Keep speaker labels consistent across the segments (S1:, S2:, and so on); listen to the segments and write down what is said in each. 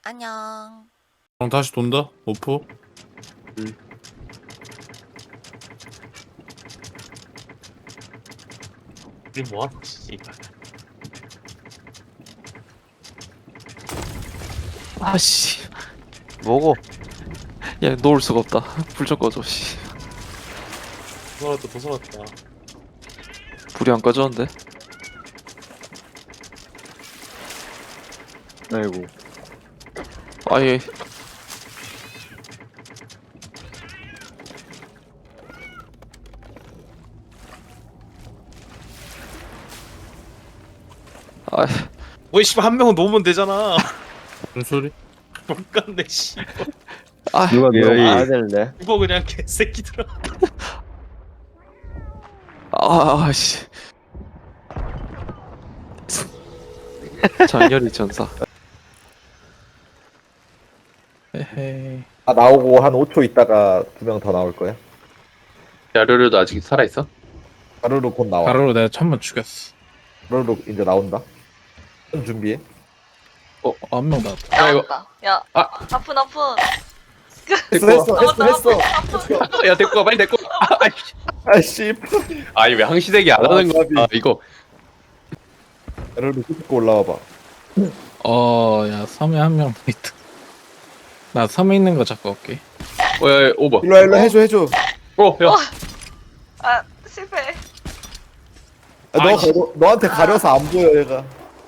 S1: 안녕.
S2: 그럼 다시 돈다? 오프?
S3: 우리 뭐하노 씨발.
S4: 아씨,
S5: 뭐고?
S4: 야 놓을 수가 없다. 불 좀 꺼줘. 씨,
S3: 도서났다.
S4: 불이 안 꺼졌는데.
S5: 아이고.
S4: 아예. 아,
S3: 왜 씨발 한 명은 놓으면 되잖아.
S2: 무슨 소리?
S3: 못 갔네 씨발.
S4: 아,
S5: 누가
S4: 여기.
S5: 와야 되는데.
S3: 이거 그냥 개새끼들아.
S4: 씨. 장렬히 전사. 에헤이.
S6: 아 나오고 한 5초 있다가 2명 더 나올 거야.
S4: 야르르도 아직 살아 있어?
S6: 가루로 곧 나와.
S2: 가로로 내가 천번 죽였어.
S6: 가루로 이제 나온다. 준비해.
S2: 한 명 나왔다.
S4: 야 이거.
S1: 나왔다. 야, 아픈.
S6: 했어.
S4: 야 데리고 가 빨리 데리고.
S6: 아씨.
S4: 아니 왜 항시대기 안 하는 거야? 이거.
S6: 가루로 끄고 올라와봐.
S2: 야, 섬에 한 명 더 있다. 나 섬에 있는 거 잡고 올게.
S4: 야, 오버.
S6: 일로 해줘.
S4: 야.
S1: 아, 실패.
S6: 너한테 가려서 안 보여 얘가.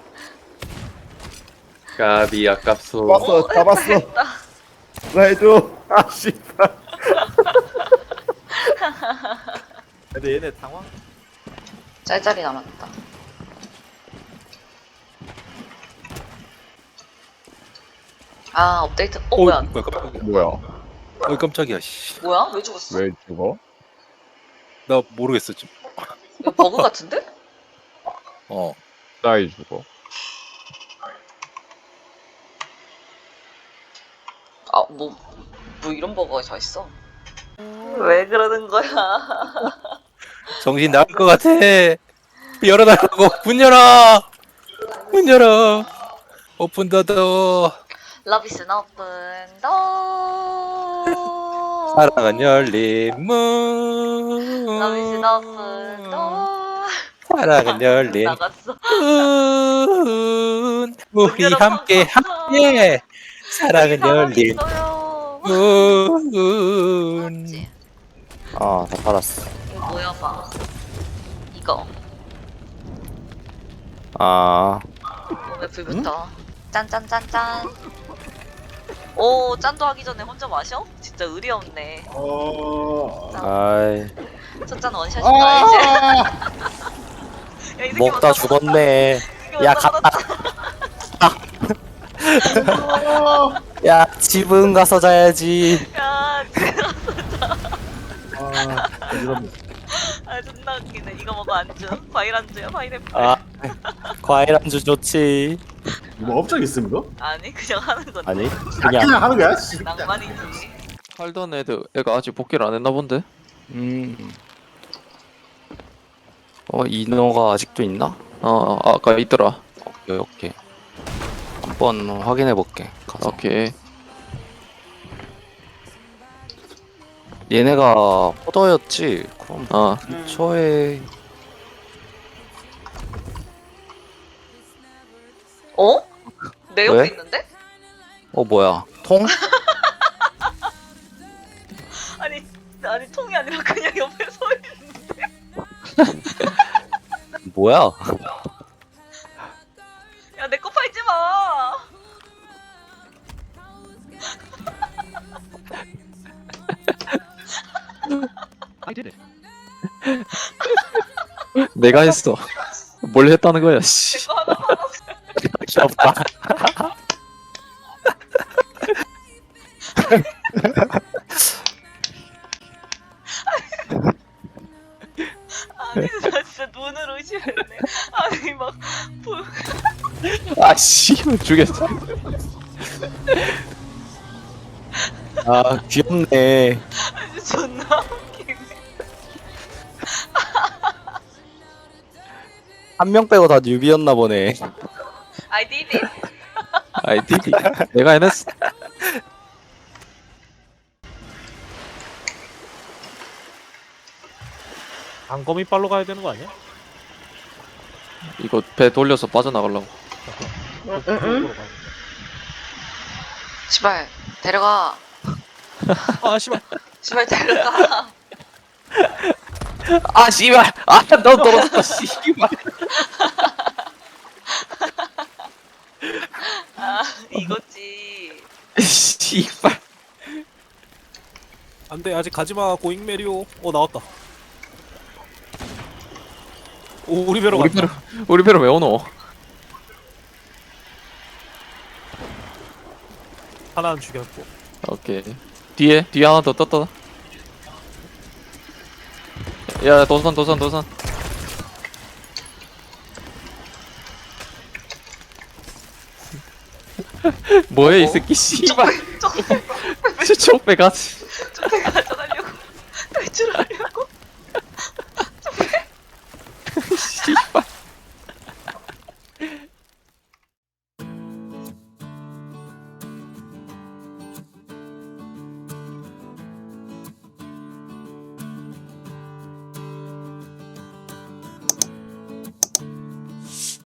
S4: 까비 아깝소.
S6: 잡았어.
S1: 됐다.
S6: 나 해줘. 아씨. 근데 얘네 당황.
S1: 짤짤이 남았다. 아, 업데이트. 뭐야?
S5: 뭐야?
S7: 깜짝이야. 씨.
S1: 뭐야? 왜 죽었어?
S6: 왜 죽어?
S7: 나 모르겠어 지금.
S1: 이거 버그 같은데?
S7: 어.
S5: 나이 죽어.
S1: 아, 뭐 이런 버그가 다 있어. 왜 그러는 거야?
S7: 정신 나갈 것 같아. 열어달라고. 문 열어. 문 열어. 오픈 더더.
S1: 러비스 오픈 더.
S7: 사랑은 열린 문.
S1: 러비스 오픈 더.
S7: 사랑은 열린
S1: 나갔어.
S7: 문. 우리 함께. 사랑은 열린
S1: 있어요.
S7: 문.
S1: 맞지?
S5: 아, 다 받았어.
S1: 이거 뭐야 봐. 이거
S5: 아,
S1: 몸에 불 붙어. 짠짠짠짠. 오, 짠도 하기 전에 혼자 마셔? 진짜 의리 없네.
S5: 아이,
S1: 첫 잔 원샷인가 이제? 야, 이 새끼
S5: 먹다
S1: 먼저
S5: 죽었네.
S1: 받아.
S5: 야, 갔다. 야, 집은 가서 자야지.
S1: 야, 진짜.
S6: 이런.
S1: 아, 존나 웃기네. 이거 먹어 안주. 과일 안주야, 파인애플.
S5: 아, 과일 안주 좋지.
S6: 뭐 업적 있음 이거?
S1: 아니, 그냥 하는 건데.
S5: 아니, 그냥.
S6: 하는 거야? 씨.
S1: 낭만이지.
S4: 살던 애가 아직 복귀를 안 했나 본데?
S5: 인어가 아직도 있나?
S4: 아까 있더라.
S5: 오케이. 한번 확인해 볼게.
S4: 오케이.
S5: 얘네가 포더였지. 그럼
S4: 어.
S5: 근처에
S1: 어? 내 옆에
S5: 왜?
S1: 있는데?
S5: 뭐야? 통?
S1: 아니 통이 아니라 그냥 옆에 서 있는데.
S5: 뭐야?
S1: 야, 내 거 팔지 마.
S4: 내가 했어. 뭘 했다는 거야, 씨.
S1: 내 거 하나 팔아.
S5: 귀엽다.
S1: 아니, 나 진짜 눈으로 의심했네. 아니 막 불.
S4: 아, 씨. 죽였어.
S5: 아, 귀엽네.
S1: 아니 존나 웃기네.
S5: 한 명 빼고 다 뉴비였나 보네.
S1: I did it.
S4: 아이 디디 내가 해냈어.
S3: 안검이 빨로 가야 되는 거 아니야?
S4: 이거 배 돌려서 빠져나가려고.
S1: 시발 데려가.
S3: 아 씨발.
S1: 시발 데려가.
S5: 아 씨발. 아너 떨어졌다 씨발.
S1: 아 이거지.
S5: 씨발.
S3: 안돼 아직 가지마 고잉 메리오. 나왔다. 오 우리 배로
S4: 우리
S3: 갔다.
S4: 배로 우리 배로 왜 오노?
S3: 하나는 죽였고.
S4: 오케이. 뒤에 하나 더 떴다. 야 도산. 뭐해 이 새끼 씨발. 쪽배 가지.
S1: 쪽배 가져가려고. 탈출하려고.
S4: 씨발.